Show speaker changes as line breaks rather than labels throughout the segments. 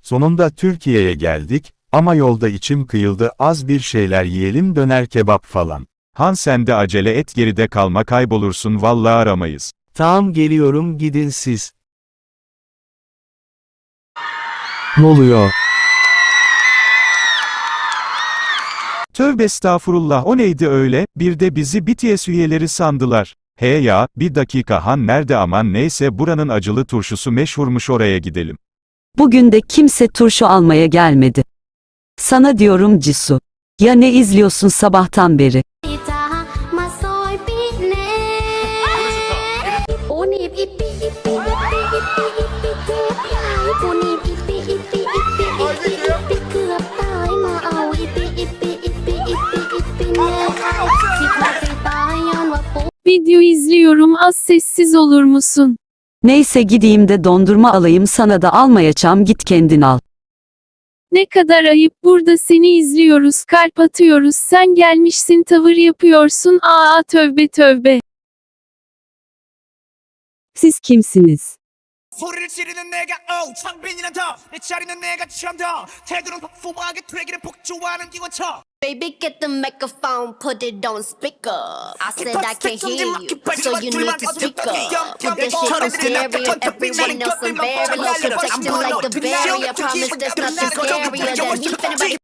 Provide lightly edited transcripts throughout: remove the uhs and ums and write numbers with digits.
Sonunda Türkiye'ye geldik, ama yolda içim kıyıldı, az bir şeyler yiyelim, döner kebap falan. Han sen de acele et, geride kalma, kaybolursun vallahi, aramayız.
Tamam, geliyorum, gidin siz. Ne oluyor?
Tövbe estağfurullah, o neydi öyle, bir de bizi BTS üyeleri sandılar. He ya, bir dakika Han nerede, aman neyse, buranın acılı turşusu meşhurmuş, oraya gidelim.
Bugün de kimse turşu almaya gelmedi. Sana diyorum Cisu. Ya ne izliyorsun sabahtan beri?
Video izliyorum, az sessiz olur musun?
Neyse gideyim de dondurma alayım, sana da almayacağım, git kendin al.
Ne kadar ayıp, burada seni izliyoruz, kalp atıyoruz, sen gelmişsin tavır yapıyorsun, aa tövbe tövbe.
Siz kimsiniz?
소리를 지르는 내가 창빈이란 더내 자리는 내가 처음더 태도는 폭풍하게 트랙이를 폭주하는 기관차
Baby, get the microphone, put it on speaker. I said I can't hear you, so you need to speak up. Put that shit on stereo, everyone else I'm very low. Protect them like a barrier, promise there's nothing scarier than me finna break.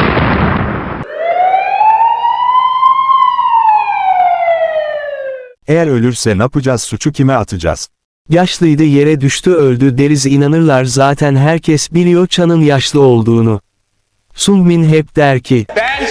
Eğer ölürse ne yapacağız, suçu kime atacağız?
Yaşlıydı, yere düştü, öldü deriz, inanırlar zaten, herkes biliyor Chan'ın yaşlı olduğunu. Sungmin hep der ki,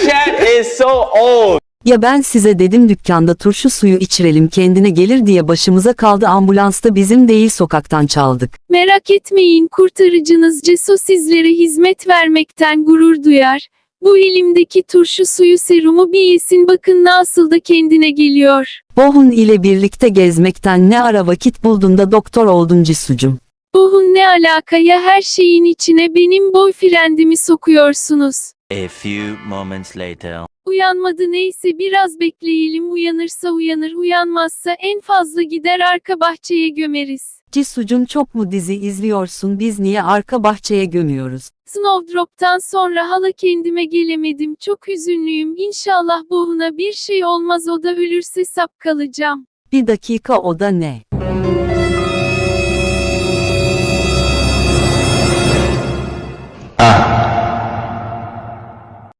Ya ben size dedim dükkanda turşu suyu içirelim, kendine gelir diye, başımıza kaldı, ambulansta bizim değil, sokaktan çaldık.
Merak etmeyin, kurtarıcınız Ceso sizlere hizmet vermekten gurur duyar. Bu elimdeki turşu suyu serumu bir yesin, bakın nasıl da kendine geliyor.
Bohun ile birlikte gezmekten ne ara vakit buldun da doktor oldun Cisucum?
Bohun ne alaka ya, her şeyin içine benim boyfriendimi sokuyorsunuz.
A few moments later.
Uyanmadı, neyse biraz bekleyelim, uyanırsa uyanır, uyanmazsa en fazla gider arka bahçeye gömeriz.
Cisucum çok mu dizi izliyorsun, biz niye arka bahçeye gömüyoruz?
Snowdrop'tan sonra hala kendime gelemedim, çok hüzünlüyüm, İnşallah Bohun'a bir şey olmaz, o da ölürse sap kalacağım.
Bir dakika, o da ne?
Ah,